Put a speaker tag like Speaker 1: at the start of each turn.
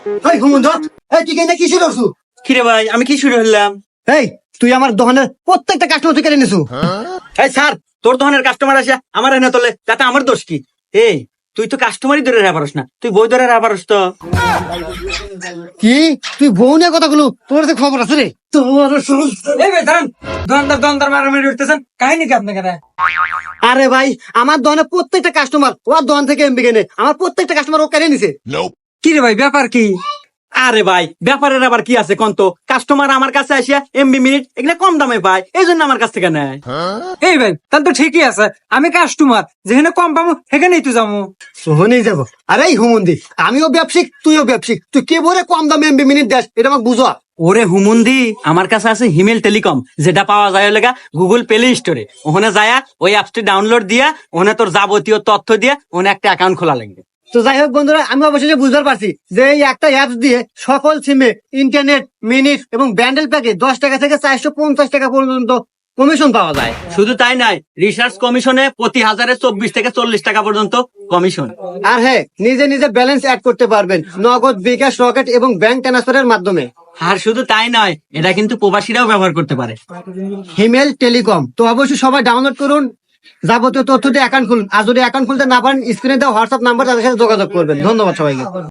Speaker 1: এই হুমুন্দ, এই তুই কেন কি শুরু করছু?
Speaker 2: কিরে ভাই আমি কি শুরু হলাম?
Speaker 1: এই তুই আমার দোকানের প্রত্যেকটা কাস্টমার তুই কেড়ে নিছু।
Speaker 2: এই স্যার, তোর ধরনের কাস্টমার আসে আমার এনে তোলে, তাতে আমার দোষ কি? এই তুই তো কাস্টমারই ধরে রাখা পারস না, তুই বই ধরে রাখা পারস তো?
Speaker 1: কি তুই বউ নিয়ে কথাগুলো তোর যে খবর আছে রে? তোর
Speaker 3: এই ভাই দাঁড়ান, দোকানদার মারামারি উঠতেছেন, কাহিনী কি আপনাকে?
Speaker 1: আরে ভাই, আমার দোকানের প্রত্যেকটা কাস্টমার ওর দোকান থেকে এমবি কেনে, আমার প্রত্যেকটা কাস্টমার ও কেড়ে নিছে।
Speaker 3: কি রে ভাই, ব্যাপার কি?
Speaker 2: আরে ভাই ব্যাপারের আবার কি আছে কন্ত? কাস্টমার আমার কাছে আসিয়া এমবি মিনিট এগুলা কম দামে পায়, এই জন্য আমার কাছ থেকে নেয়।
Speaker 3: এই ভাই তাহলে তো ঠিকই আছে, আমি কাস্টমার, যেখানে কম পাবো সেখানেই তো যাবো।
Speaker 1: সোহনেই যাবো। আরে এই হুমন্দি, আমিও ব্যবসায়িক তুইও ব্যবসায়িক, তুই কে বলে কম দামে এমবি মিনিট দেশ এটা আমাকে বুঝো।
Speaker 2: ওরে হুমুন্দি, আমার কাছে আছে হিমেল টেলিকম, যেটা পাওয়া যায় লেগা গুগল প্লে স্টোরে। ওখানে যায়া ওই অ্যাপসটি ডাউনলোড দিয়া ওখানে তোর যাবতীয় তথ্য দিয়ে ওখানে একটা অ্যাকাউন্ট খোলা লাগবে।
Speaker 1: তো যাই হোক বন্ধুরা, আমি অবশেষে বুঝতে পারছি যে এই একটা অ্যাপস দিয়ে সকল সিমে ইন্টারনেট মিনিট এবং ব্যান্ডেল প্যাকে 10 টাকা থেকে 450 টাকা পর্যন্ত কমিশন পাওয়া যায়।
Speaker 2: শুধু তাই নয়, রিসার্চ কমিশনে প্রতি হাজারে 24 থেকে 40 টাকা পর্যন্ত কমিশন।
Speaker 1: আর হ্যাঁ, নিজে নিজে ব্যালেন্স অ্যাড করতে পারবেন নগদ, বিকাশ, রকেট এবং ব্যাংক ট্রান্সফারের মাধ্যমে।
Speaker 2: আর শুধু তাই নয়, এটা কিন্তু প্রবাসীরাও ব্যবহার করতে পারে।
Speaker 1: হিমেল টেলিকম তো অবশ্যই সবাই ডাউনলোড করুন, যাবতীয় তথ্য দিয়ে অ্যাকাউন্ট খুলুন। আর যদি অ্যাকাউন্ট খুলতে না পারেন, স্ক্রিনে দেওয়া হোয়াটসঅ্যাপ নাম্বার তাদের সাথে যোগাযোগ করবেন। ধন্যবাদ সবাইকে।